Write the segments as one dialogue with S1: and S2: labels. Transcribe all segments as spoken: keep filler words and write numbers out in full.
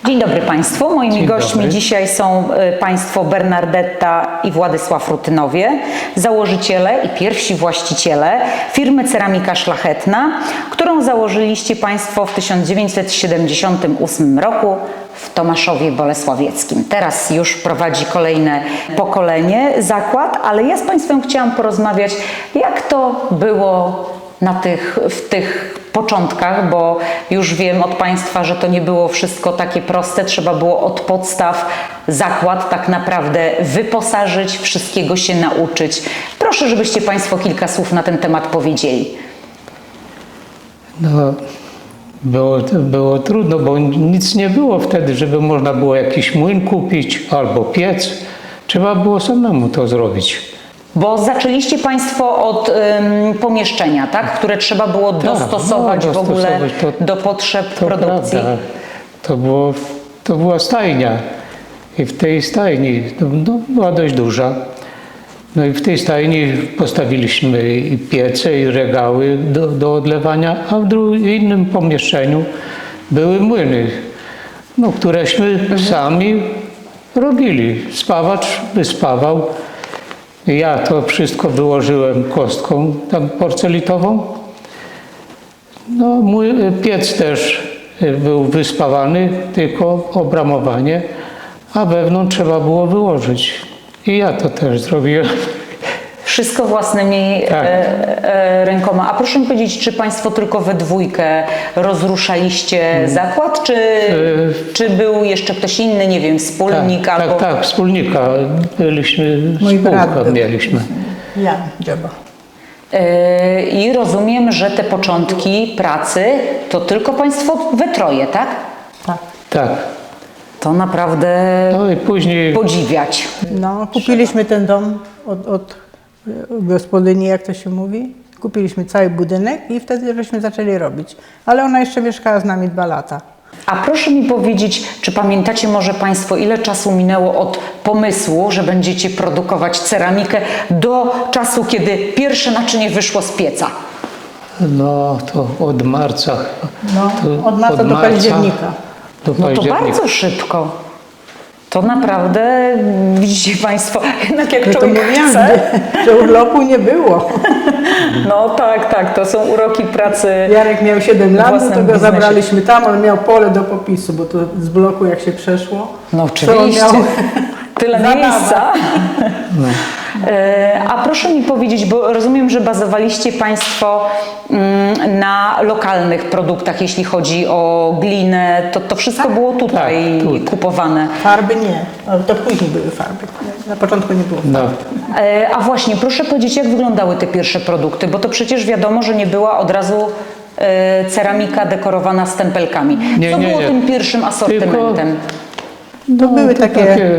S1: Dzień dobry Państwu. Moimi
S2: Dzień
S1: gośćmi
S2: dobry.
S1: dzisiaj są y, Państwo Bernardetta i Władysław Rutynowie, założyciele i pierwsi właściciele firmy Ceramika Szlachetna, którą założyliście Państwo w tysiąc dziewięćset siedemdziesiątym ósmym roku w Tomaszowie Bolesławieckim. Teraz już prowadzi kolejne pokolenie zakład, ale ja z Państwem chciałam porozmawiać, jak to było na tych, w tych początkach, bo już wiem od Państwa, że to nie było wszystko takie proste, trzeba było od podstaw zakład tak naprawdę wyposażyć, wszystkiego się nauczyć. Proszę, żebyście Państwo kilka słów na ten temat powiedzieli.
S2: No, było, było trudno, bo nic nie było wtedy, żeby można było jakiś młyn kupić albo piec. Trzeba było samemu to zrobić.
S1: Bo zaczęliście Państwo od ym, pomieszczenia, tak? Które trzeba było
S2: Tak,
S1: dostosować
S2: no,
S1: w ogóle
S2: dostosować to-
S1: do potrzeb
S2: To
S1: produkcji.
S2: prawda. To, było, to była stajnia i w tej stajni, no, no, była dość duża, no i w tej stajni postawiliśmy i piece, i regały do, do odlewania, a w drugim innym pomieszczeniu były młyny, no, któreśmy sami robili. Spawacz wyspawał. Ja to wszystko wyłożyłem kostką tam porcelitową. No, mój piec też był wyspawany, tylko obramowanie, a wewnątrz trzeba było wyłożyć. I ja to też zrobiłem.
S1: Wszystko własnymi
S2: Tak.
S1: e, e, rękoma. A proszę mi powiedzieć, czy Państwo tylko we dwójkę rozruszaliście zakład, czy, czy był jeszcze ktoś inny, nie wiem, wspólnik
S2: Tak,
S1: albo...
S2: tak, tak, wspólnika. Byliśmy,
S3: Mój brat
S2: spółkę
S3: był.
S2: mieliśmy.
S3: Ja, Dziaba.
S1: E, I rozumiem, że te początki pracy to tylko Państwo we troje, tak?
S3: Tak.
S2: Tak.
S1: To naprawdę
S2: No i później
S1: podziwiać.
S3: No, kupiliśmy ten dom od, od e, gospodyni, jak to się mówi. Kupiliśmy cały budynek i wtedy żeśmy zaczęli robić. Ale ona jeszcze mieszkała z nami dwa lata.
S1: A proszę mi powiedzieć, czy pamiętacie może Państwo, ile czasu minęło od pomysłu, że będziecie produkować ceramikę, do czasu, kiedy pierwsze naczynie wyszło z pieca?
S2: no to od marca.
S3: No,
S2: to
S3: od marca do października.
S2: Do
S1: No to
S2: października.
S1: bardzo szybko. To naprawdę, widzicie Państwo, jednak jak
S3: Ja to
S1: człowiek
S3: mówiłam,
S1: chce.
S3: że, że urlopu nie było.
S1: No tak, tak, to są uroki pracy.
S3: Jarek miał siedem
S1: w
S3: lat,
S1: własnym
S3: to go
S1: biznesie.
S3: zabraliśmy tam, on miał pole do popisu, bo to z bloku jak się przeszło.
S1: No
S3: to on
S1: oczywiście.
S3: miał
S1: Tyle
S3: zabawa.
S1: miejsca. E, A proszę mi powiedzieć, bo rozumiem, że bazowaliście Państwo mm, na lokalnych produktach, jeśli chodzi o glinę, to, to wszystko było tutaj
S2: Tak, tu.
S1: kupowane.
S3: Farby nie, ale to później były farby. Na początku nie było.
S2: No,
S1: E, A właśnie, proszę powiedzieć, jak wyglądały te pierwsze produkty, bo to przecież wiadomo, że nie była od razu e, ceramika dekorowana stempelkami.
S2: Nie,
S1: Co
S2: nie,
S1: było
S2: nie.
S1: tym pierwszym asortymentem?
S3: To były
S2: to
S3: takie...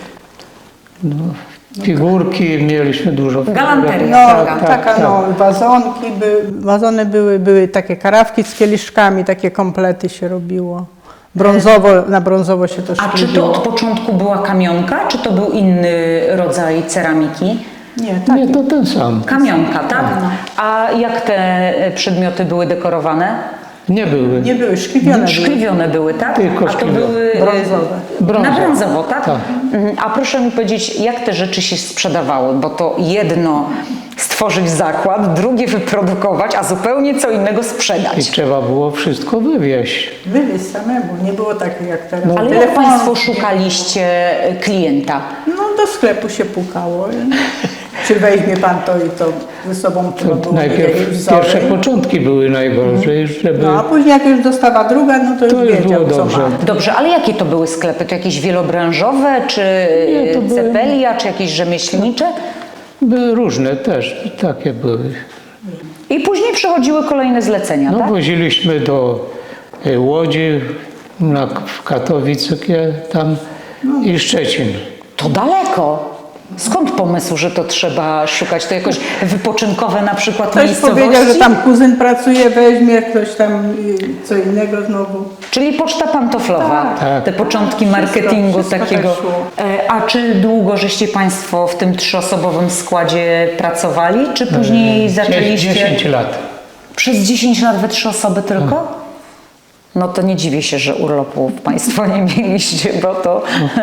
S2: no, figurki mieliśmy dużo.
S1: Galanteria.
S3: No,
S1: Tak,
S3: taka no, wazonki, by, wazony były, były takie karawki z kieliszkami, takie komplety się robiło. Brązowo, na brązowo się to
S1: A czy to
S3: szkliło.
S1: od początku była kamionka, czy to był inny rodzaj ceramiki?
S3: Nie, tak.
S2: Nie, to ten sam.
S1: Kamionka, tak? A jak te e, przedmioty były dekorowane?
S2: Nie były.
S3: Nie były szkliwione. były.
S1: Szkliwione były, tak?
S2: Tylko
S1: A to
S2: szkliwione.
S1: były e,
S3: Brązowe.
S1: Na
S2: Brązowe.
S1: brązowo, tak?
S2: Tak.
S1: Mhm. A proszę mi powiedzieć, jak te rzeczy się sprzedawały? Bo to jedno stworzyć zakład, drugie wyprodukować, a zupełnie co innego
S2: I
S1: sprzedać.
S2: trzeba było wszystko wywieźć.
S3: Wywieźć samemu, nie było takich jak teraz.
S1: Ale jak
S3: Telefon-
S1: Państwo szukaliście e, klienta?
S3: No do sklepu się pukało. Czy weźmie pan to i to ze sobą trzeba było mieć jakieś
S2: Najpierw
S3: wzory.
S2: pierwsze początki były najgorzej, żeby...
S3: No a później jak już dostawa druga, no to już
S2: To już
S3: wiedział
S2: było
S3: co
S2: dobrze.
S3: ma.
S1: Dobrze, ale jakie to były sklepy? To jakieś wielobranżowe, czy
S2: Nie, to były-
S1: cepelia, czy jakieś rzemieślnicze?
S2: Były różne też, takie były.
S1: I później przychodziły kolejne zlecenia,
S2: No
S1: tak?
S2: woziliśmy do e, Łodzi, na, w Katowice tam i Szczecin.
S1: To daleko. Skąd pomysł, że to trzeba szukać? To jakoś wypoczynkowe na przykład
S3: Ktoś
S1: miejscowości?
S3: powiedział, że tam kuzyn pracuje, weźmie, ktoś tam y, co innego znowu.
S1: Czyli poczta pantoflowa,
S2: Tak.
S1: te początki
S3: Wszystko-
S1: marketingu
S3: wszystko
S1: takiego.
S3: tak szło.
S1: E, A czy długo żeście Państwo w tym trzyosobowym składzie pracowali, czy później zaczęliście?
S2: dziesięć lat.
S1: Przez dziesięć lat we trzy osoby tylko? No to nie dziwię się, że urlopów Państwo nie mieliście, bo to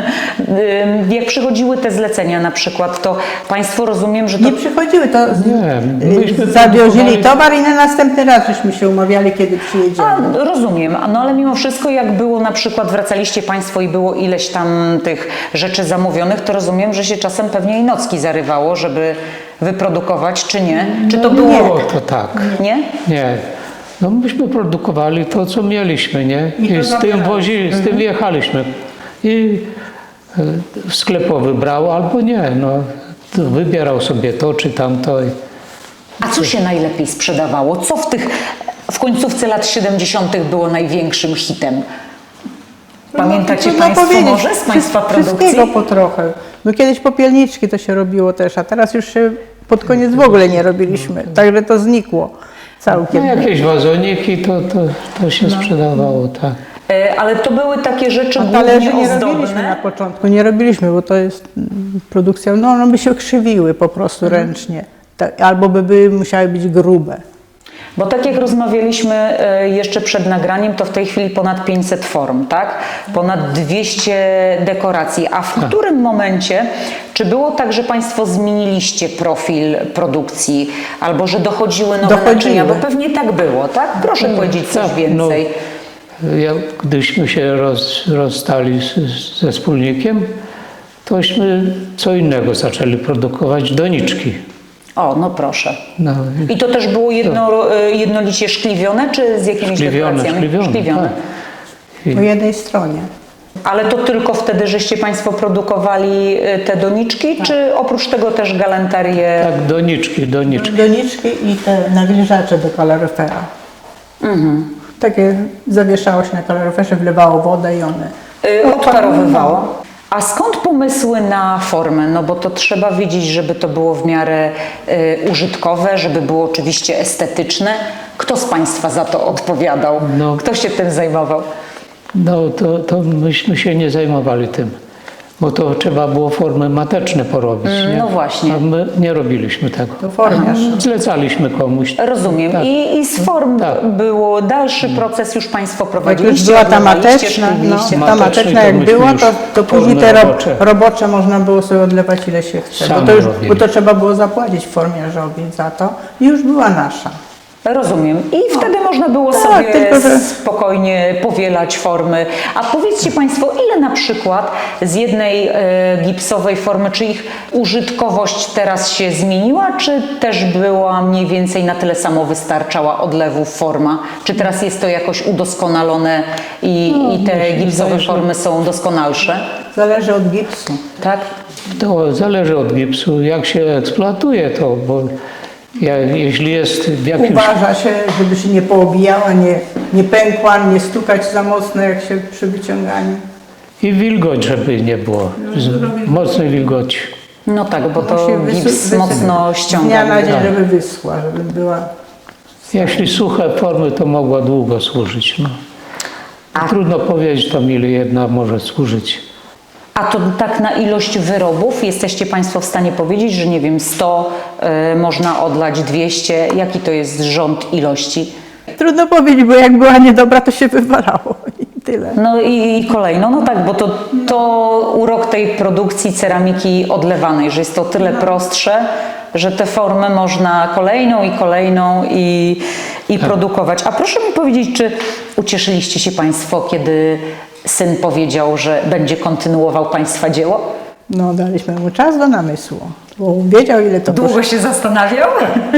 S1: Ym, jak przychodziły te zlecenia na przykład, to Państwo rozumiem, że to...
S3: Nie przychodziły, to z-
S2: Nie,
S3: y,
S2: myśmy
S3: zawiozili
S2: produkowali-
S3: towar i na następny raz żeśmy się umawiali, kiedy przyjedziemy.
S1: A, rozumiem, no ale mimo wszystko jak było na przykład, wracaliście Państwo i było ileś tam tych rzeczy zamówionych, to rozumiem, że się czasem pewnie i nocki zarywało, żeby wyprodukować, czy nie? Czy to było...
S2: Było to tak.
S1: Nie?
S2: Nie. No myśmy produkowali to, co mieliśmy, nie?
S3: I to
S2: I z tym
S3: zabierali.
S2: wozi, z tym jechaliśmy. I e, sklepowy brał albo nie, no. To wybierał sobie to czy tamto. I
S1: A co się najlepiej sprzedawało? Co w tych, w końcówce lat siedemdziesiątych było największym hitem? Pamiętacie
S3: Trudno
S1: Państwo
S3: powiedzieć.
S1: może z Państwa
S3: Wszy-
S1: produkcji?
S3: Wszystkiego po trochę. No kiedyś popielniczki to się robiło też, a teraz już się pod koniec w ogóle nie robiliśmy. Także to znikło
S2: no,
S3: całkiem.
S2: jakieś wazoniki to, to, to się sprzedawało, tak.
S1: E, Ale to były takie rzeczy
S3: A
S1: głównie
S3: talerzy nie robiliśmy na
S1: ozdobne.
S3: początku, nie robiliśmy, bo to jest mm, produkcja, no one by się krzywiły po prostu
S1: Mhm.
S3: ręcznie. Tak, albo by były, musiały być grube.
S1: Bo tak jak rozmawialiśmy e, jeszcze przed nagraniem, to w tej chwili ponad pięćset form, tak? Ponad dwieście dekoracji. A w którym momencie, czy było tak, że Państwo zmieniliście profil produkcji, albo że dochodziły nowe
S3: Dochodziły.
S1: naczynia? Bo pewnie tak było, tak? Proszę powiedzieć coś
S2: tak,
S1: więcej.
S2: No, jak, gdyśmy się roz, rozstali z, z, ze wspólnikiem, tośmy co innego zaczęli produkować, doniczki.
S1: O, no proszę.
S2: No,
S1: I to też było jedno, e, jednolicie szkliwione, czy z jakimiś
S2: szkliwione,
S1: dekoracjami?
S2: szkliwione,
S1: Szkliwione.
S2: tak.
S3: Po jednej stronie.
S1: Ale to tylko wtedy, żeście Państwo produkowali e, te doniczki, czy oprócz tego też galanterię?
S2: Tak, doniczki, doniczki.
S3: Doniczki i te nawilżacze do kaloryfera.
S1: Mhm.
S3: Takie zawieszało się na kaloryferze, wlewało wodę i one.
S1: Y, odparowywało. A skąd pomysły na formę? No bo to trzeba wiedzieć, żeby to było w miarę y, użytkowe, żeby było oczywiście estetyczne. Kto z Państwa za to odpowiadał?
S2: No.
S1: Kto się tym zajmował?
S2: No to, to myśmy się nie zajmowali tym, bo to trzeba było formy mateczne porobić. nie?
S1: no właśnie.
S2: A my nie robiliśmy tego.
S3: To formiarz.
S2: Zlecaliśmy komuś.
S1: Rozumiem.
S2: Tak.
S1: I, I z form
S2: Tak.
S1: było dalszy proces, już Państwo
S3: Jak
S1: prowadziliście,
S3: już była ta
S1: odlewaliście,
S3: mateczna, no,
S1: szkliliście.
S3: ta
S2: Matecznej
S3: mateczna
S2: to
S3: jak
S2: myśmy
S3: była,
S2: już
S3: to, to później
S2: formy
S3: te ro,
S2: robocze.
S3: robocze można było sobie odlewać ile się chce. Bo
S2: Sami
S3: to, już,
S2: robili.
S3: bo to trzeba było zapłacić formiarzowi za to i już była nasza.
S1: Rozumiem. I wtedy można było
S3: Tak,
S1: sobie
S3: tylko że-
S1: spokojnie powielać formy. A powiedzcie Państwo, ile na przykład z jednej e, gipsowej formy, czy ich użytkowość teraz się zmieniła, czy też była mniej więcej na tyle samo wystarczała odlewów forma? Czy teraz jest to jakoś udoskonalone i, i te
S2: mi się
S1: gipsowe
S2: wydaje, że-
S1: formy są doskonalsze?
S3: Zależy od gipsu.
S1: Tak?
S2: To zależy od gipsu, jak się eksploatuje to, bo ja, jeśli jest w jakimś...
S3: Uważa się, żeby się nie poobijała, nie, nie pękła, nie stukać za mocno jak się przy wyciąganiu.
S2: I wilgoć, żeby nie było, z mocnej wilgoci.
S1: No tak, bo to
S3: Musi wysu-
S1: gips
S3: wysu-
S1: mocno
S3: Z
S1: ściąga.
S3: dnia na dzień,
S2: Tak.
S3: żeby wyschła, żeby była...
S2: Jeśli suche formy, to mogła długo służyć. No. Trudno powiedzieć tam, ile jedna może służyć.
S1: A to tak na ilość wyrobów jesteście Państwo w stanie powiedzieć, że nie wiem, sto y, można odlać dwieście? Jaki to jest rząd ilości?
S3: Trudno powiedzieć, bo jak była niedobra, to się wywalało i tyle.
S1: No i, i kolejno, no tak, bo to, to urok tej produkcji ceramiki odlewanej, że jest to tyle prostsze, że te formy można kolejną i kolejną i, i produkować. A proszę mi powiedzieć, czy ucieszyliście się Państwo, kiedy syn powiedział, że będzie kontynuował Państwa dzieło?
S3: No, daliśmy mu czas do namysłu, bo wiedział, ile to
S1: Długo
S3: kosztuje.
S1: się zastanawiał?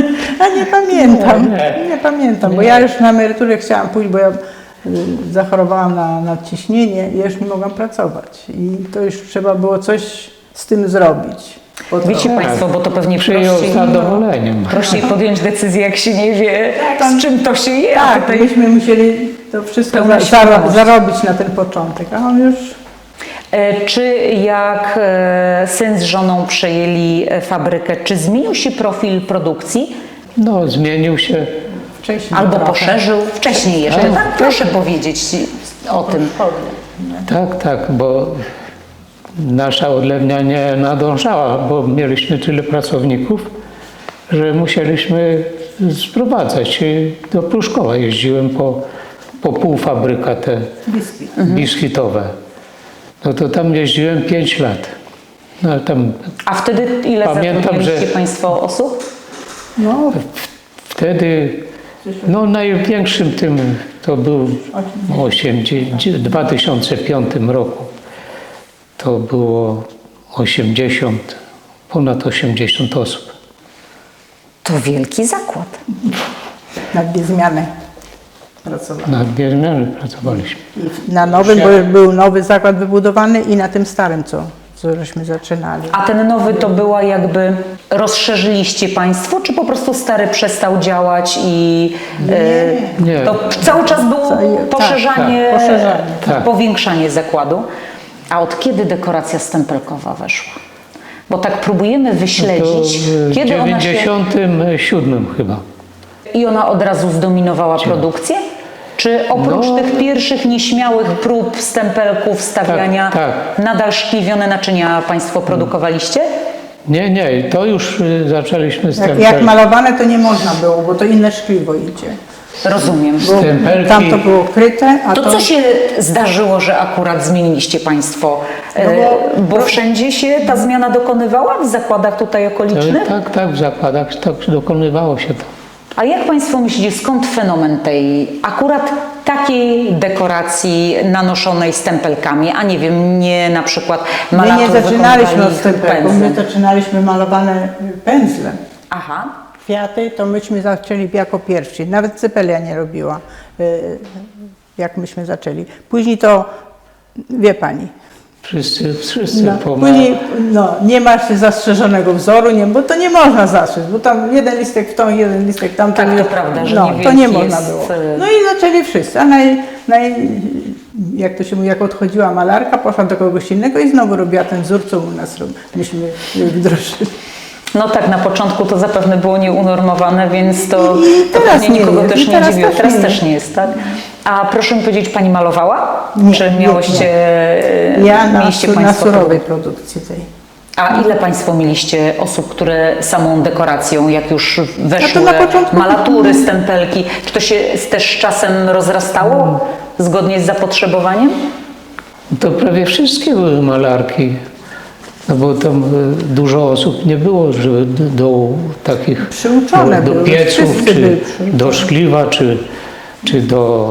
S3: A nie pamiętam,
S2: Nie.
S3: nie pamiętam, bo ja już na emeryturę chciałam pójść, bo ja y, zachorowałam na nadciśnienie i już nie mogłam pracować. I to już trzeba było coś z tym zrobić. Po
S1: Wiecie
S3: trochu.
S1: Państwo, bo to pewnie
S2: Przyjął z
S1: prościej,
S2: zadowoleniem.
S1: prościej podjąć decyzję, jak się nie wie, z czym to się je. A
S3: Tak,
S1: tutaj
S3: myśmy musieli to wszystko
S1: Pełna
S3: za,
S1: świadomość.
S3: zaro, zarobić na ten początek, a on już...
S1: E, Czy jak e, syn z żoną przejęli e, fabrykę, czy zmienił się profil produkcji?
S2: No, zmienił się.
S3: Wcześniej
S1: Albo
S3: trochę.
S1: poszerzył wcześniej jeszcze?
S2: Tak.
S1: Tak, proszę powiedzieć o tym.
S2: Tak, tak, bo nasza odlewnia nie nadążała, bo mieliśmy tyle pracowników, że musieliśmy sprowadzać. I do Pruszkowa jeździłem po, po półfabryka te
S3: Biskit.
S2: biskitowe. No to tam jeździłem pięć lat. No ale tam
S1: A wtedy ile
S2: Pamiętam,
S1: zatrudniliście
S2: że-
S1: Państwo osób?
S3: No,
S2: wtedy, no największym tym to był osiemdziesiąt, w dwa tysiące piątym roku. To było osiemdziesiąt, ponad osiemdziesiąt osób.
S1: To wielki zakład.
S3: na dwie zmiany pracowałam.
S2: Na dwie zmiany pracowaliśmy.
S3: I na nowym, bo był nowy zakład wybudowany i na tym starym, co, co żeśmy zaczynali.
S1: A ten nowy to była jakby, rozszerzyliście Państwo, czy po prostu stary przestał działać i e,
S2: Nie.
S1: to cały czas było
S3: Tak,
S1: poszerzanie,
S3: tak, poszerzanie,
S2: tak.
S1: powiększanie zakładu? A od kiedy dekoracja stempelkowa weszła? Bo tak próbujemy
S2: To
S1: wyśledzić,
S2: w
S1: kiedy ona się...
S2: dziewięćdziesiątym siódmym chyba.
S1: I ona od razu zdominowała produkcję? Czy oprócz
S2: No.
S1: tych pierwszych nieśmiałych prób stempelków, stawiania,
S2: Tak,
S1: nadal szkliwione naczynia Państwo produkowaliście?
S2: Nie, nie, to już y, zaczęliśmy z
S3: Jak,
S2: tym.
S3: jak malowane to nie można było, bo to inne szkliwo idzie.
S1: Rozumiem.
S3: Bo
S2: Stempelki.
S3: tam to było kryte, a
S1: To
S3: to...
S1: co się zdarzyło, że akurat zmieniliście Państwo?
S3: No
S1: E,
S3: bo-
S1: bo wszędzie się ta zmiana dokonywała? W zakładach tutaj okolicznych?
S2: Tak, tak, w zakładach tak dokonywało się to.
S1: A jak Państwo myślicie, skąd fenomen tej akurat takiej dekoracji nanoszonej stempelkami, a nie wiem, nie na przykład
S3: My
S1: malarów
S3: nie zaczynaliśmy od
S1: wykonywali
S3: stempelków, my
S1: pędzlem?
S3: zaczynaliśmy malowane pędzlem.
S1: Aha.
S3: Kwiaty to myśmy zaczęli jako pierwsi. Nawet Cepelia nie robiła, y, jak myśmy zaczęli. Później to, wie pani,
S2: Wszyscy, wszyscy
S3: no,
S2: pomagali.
S3: później no, nie masz zastrzeżonego wzoru, nie, bo to nie można zaszyć, bo tam jeden listek w tą, jeden listek w tamtą.
S1: Tak, to
S3: nie-
S1: prawda, że
S3: no,
S1: niewielki
S3: to nie
S1: jest,
S3: można było.
S1: y-
S3: No i zaczęli wszyscy, a naj, naj, jak to się mówi, jak odchodziła malarka, poszła do kogoś innego i znowu robiła ten wzór, co u nas robi- myśmy wdrożyli.
S1: No tak, na początku to zapewne było nieunormowane, więc to,
S3: I
S1: to
S3: teraz
S1: pewnie
S3: nie
S1: nikogo
S3: jest,
S1: też
S3: i
S1: nie
S3: teraz
S1: dziwiło.
S3: też
S1: Teraz
S3: nie
S1: też
S3: jest.
S1: nie jest, tak? A proszę mi powiedzieć, Pani malowała?
S3: Nie,
S1: Czy
S3: nie,
S1: miałyście,
S3: Ja na,
S1: mieliście
S3: su- na
S1: Państwo...
S3: surowej produkcji tej.
S1: A ile Państwo mieliście osób, które samą dekoracją, jak już weszły
S3: na początku-
S1: malatury, stempelki, czy to się też z czasem rozrastało zgodnie z zapotrzebowaniem?
S2: To prawie wszystkie były malarki. No bo tam y, dużo osób nie było, żeby do, do takich
S3: Przyuczone
S2: do, do
S3: były,
S2: pieców,
S3: wszyscy byli
S2: czy
S3: przyuczone.
S2: do szkliwa, czy, czy do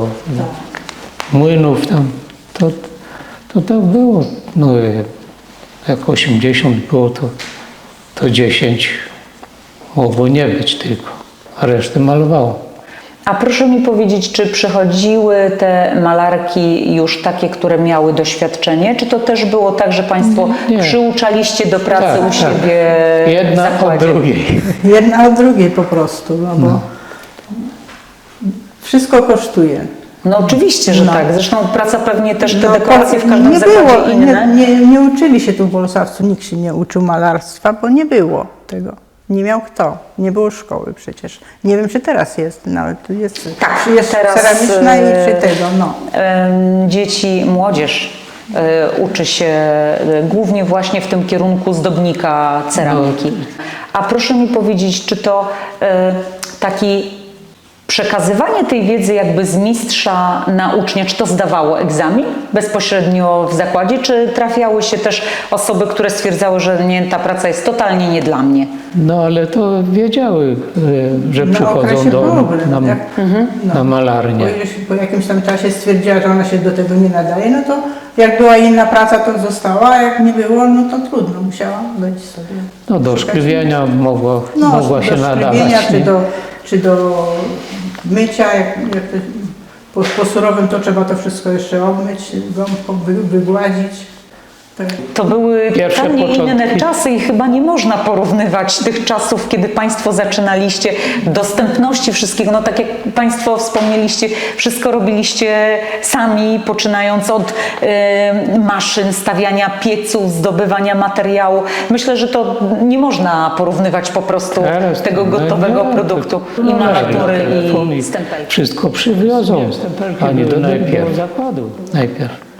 S2: młynów tam. To, to tak było. No, y, jak osiemdziesiąt było, to, to dziesięć mogło nie być tylko, a resztę malowało.
S1: A proszę mi powiedzieć, czy przychodziły te malarki już takie, które miały doświadczenie, czy to też było tak, że Państwo
S2: Nie.
S1: przyuczaliście do pracy
S2: Tak,
S1: u
S2: tak.
S1: siebie
S2: Jedna
S1: w
S2: od
S1: zakładzie?
S2: drugiej.
S3: Jedna od drugiej po prostu, no bo wszystko kosztuje.
S1: No oczywiście, że
S3: No.
S1: tak. Zresztą praca pewnie też te
S3: No,
S1: dekoracje w
S3: po-
S1: każdym
S3: nie
S1: zakładzie
S3: było,
S1: inne.
S3: Nie, nie, nie uczyli się tu w Bolesławcu, nikt się nie uczył malarstwa, bo nie było tego. Nie miał kto, nie było szkoły przecież. Nie wiem, czy teraz jest, nawet tu jest,
S1: Tak,
S3: czy jest
S1: teraz,
S3: ceramiczna
S1: e,
S3: i czy tego, no.
S1: Em, Dzieci, młodzież e, uczy się e, głównie właśnie w tym kierunku zdobnika ceramiki. A proszę mi powiedzieć, czy to e, taki przekazywanie tej wiedzy jakby z mistrza na ucznia, czy to zdawało egzamin bezpośrednio w zakładzie, czy trafiały się też osoby, które stwierdzały, że nie, ta praca jest totalnie nie dla mnie?
S2: No ale to wiedziały, y, że
S3: Na
S2: przychodzą
S3: okresie
S2: do,
S3: próby,
S2: na,
S3: jak-
S2: na
S3: Po,
S2: malarnię.
S3: ileś, po jakimś tam czasie stwierdziła, że ona się do tego nie nadaje, no to jak była inna praca, to została, a jak nie było, no to trudno, musiała być sobie.
S2: No do
S3: szukać
S2: szkliwienia mogła,
S3: No,
S2: mogła
S3: do
S2: się nadawać.
S3: szkliwienia, czy
S2: nie?
S3: do, czy do mycia, jak, jak to, po, po surowym to trzeba to wszystko jeszcze obmyć, gąbką wy, wygładzić. Tak.
S1: To były
S2: Pierwsze
S1: totalnie
S2: początki.
S1: inne czasy i chyba nie można porównywać tych czasów, kiedy Państwo zaczynaliście, dostępności wszystkiego. No tak jak Państwo wspomnieliście, wszystko robiliście sami, poczynając od e, maszyn, stawiania pieców, zdobywania materiału. Myślę, że to nie można porównywać po prostu
S2: Teraz
S1: tego
S2: to-
S1: gotowego
S2: no,
S1: produktu
S2: to-
S1: i
S2: no,
S1: malatury
S2: telefon
S1: i stempelki.
S2: Wszystko przywiozą, a nie do najpierw.
S4: zakładu.
S2: Najpierw.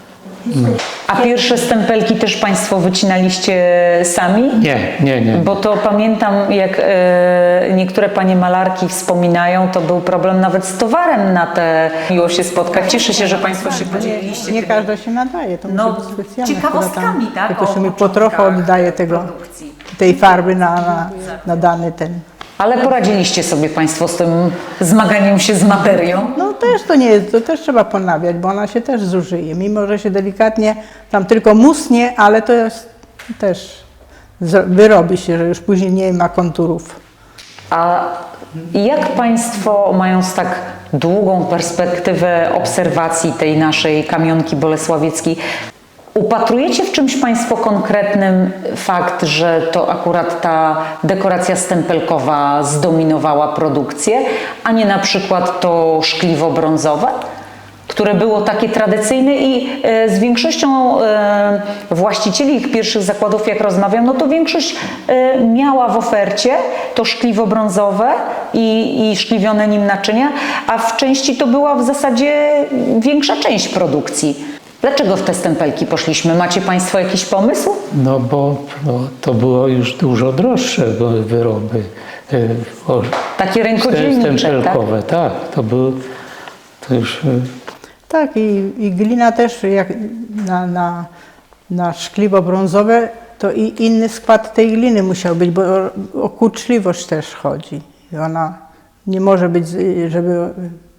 S1: A pierwsze stempelki też Państwo wycinaliście sami?
S2: Nie, nie, nie.
S1: Bo to pamiętam, jak e, niektóre panie malarki wspominają, to był problem nawet z towarem na te miło się spotkać. Cieszę się, że Państwo się podzieliliście.
S3: Nie
S1: tymi-
S3: każda się nadaje, to
S1: No,
S3: musi być specjalne.
S1: ciekawostkami,
S3: chyba tam,
S1: tak?
S3: Tylko
S1: O
S3: się mi po
S1: początkach
S3: trochę oddaje tego,
S1: produkcji.
S3: tej farby na, na, na dany ten.
S1: Ale poradziliście sobie Państwo z tym zmaganiem się z materią?
S3: No też to nie jest, to też trzeba ponawiać, bo ona się też zużyje. Mimo, że się delikatnie tam tylko musnie, ale to jest też, z- wyrobi się, że już później nie ma konturów.
S1: A jak Państwo, mając tak długą perspektywę obserwacji tej naszej kamionki bolesławieckiej, upatrujecie w czymś Państwo konkretnym fakt, że to akurat ta dekoracja stempelkowa zdominowała produkcję, a nie na przykład to szkliwo brązowe, które było takie tradycyjne i e, z większością e, właścicieli ich pierwszych zakładów, jak rozmawiam, no to większość e, miała w ofercie to szkliwo brązowe i, i szkliwione nim naczynia, a w części to była w zasadzie większa część produkcji. Dlaczego w te stempelki poszliśmy? Macie Państwo jakiś pomysł?
S2: No bo no, to było już dużo droższe bo wyroby. e, o-
S1: Takie rękodzielnicze, tak?
S2: stempelkowe, tak? To były to już e,
S3: Tak, i, i glina też jak na, na, na szkliwo brązowe, to i inny skład tej gliny musiał być, bo o, o kurczliwość też chodzi. I ona nie może być, z- żeby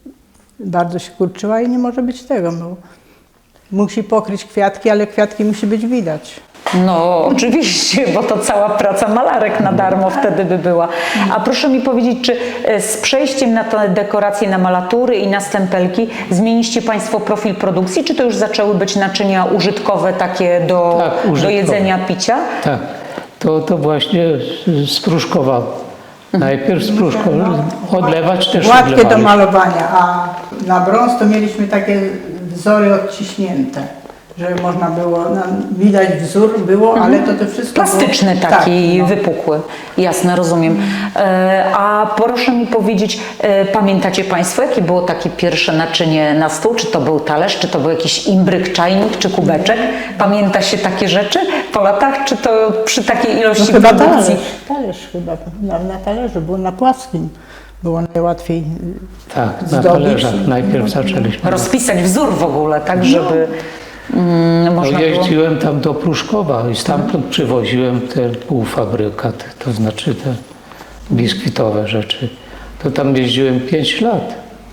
S3: bardzo się kurczyła i nie może być tego. Bo musi pokryć kwiatki, ale kwiatki musi być widać.
S1: No oczywiście, bo to cała praca malarek na darmo wtedy by była. A proszę mi powiedzieć, czy e, z przejściem na te dekoracje, na malatury i na stempelki zmieniliście Państwo profil produkcji, czy to już zaczęły być naczynia użytkowe takie do,
S2: Tak,
S1: do
S2: użytkowe.
S1: jedzenia, picia?
S2: tak. To, to właśnie z- z Pruszkowa. Najpierw z Pruszkowa odlewać też
S3: Gładkie do
S2: odlewaliśmy.
S3: malowania, a na brąz to mieliśmy takie wzory odciśnięte, że można było, no, widać wzór było, ale to to wszystko
S1: Plastyczny
S3: było,
S1: taki,
S3: tak, no.
S1: wypukły. Jasne, rozumiem. E, a proszę mi powiedzieć, e, pamiętacie Państwo, jakie było takie pierwsze naczynie na stół? Czy to był talerz, czy to był jakiś imbryk, czajnik, czy kubeczek? Pamięta się takie rzeczy po latach, czy to przy takiej
S3: No
S1: ilości
S3: chyba
S1: produkcji?
S3: talerz, talerz chyba, na, na talerzu, było na płaskim, było najłatwiej y,
S2: Tak, na
S3: zdobić
S2: talerzach
S3: i-
S2: najpierw zaczęliśmy.
S1: Rozpisać wzór w ogóle, tak, żeby mm,
S2: No,
S1: można było...
S2: jeździłem tam do Pruszkowa i stamtąd przywoziłem ten półfabrykat, to znaczy te biskwitowe rzeczy. To tam jeździłem pięć lat.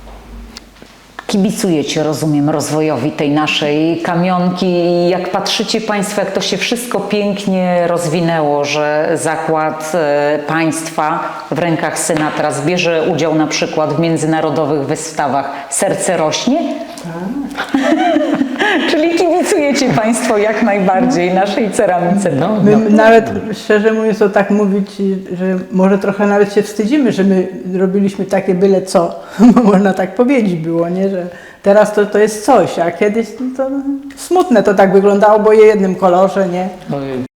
S1: Kibicujecie, rozumiem, rozwojowi tej naszej kamionki. Jak patrzycie Państwo, jak to się wszystko pięknie rozwinęło, że zakład e, państwa w rękach syna teraz bierze udział na przykład w międzynarodowych wystawach Serce rośnie? Czyli kibicujecie Państwo jak najbardziej naszej ceramice.
S2: No,
S3: My
S2: no,
S3: nawet, szczerze mówiąc, to tak mówić, że może trochę nawet się wstydzimy, że my robiliśmy takie byle co, bo można tak powiedzieć było, nie? Że teraz to, to jest coś, a kiedyś no to smutne to tak wyglądało, bo je w jednym kolorze, nie?
S2: no,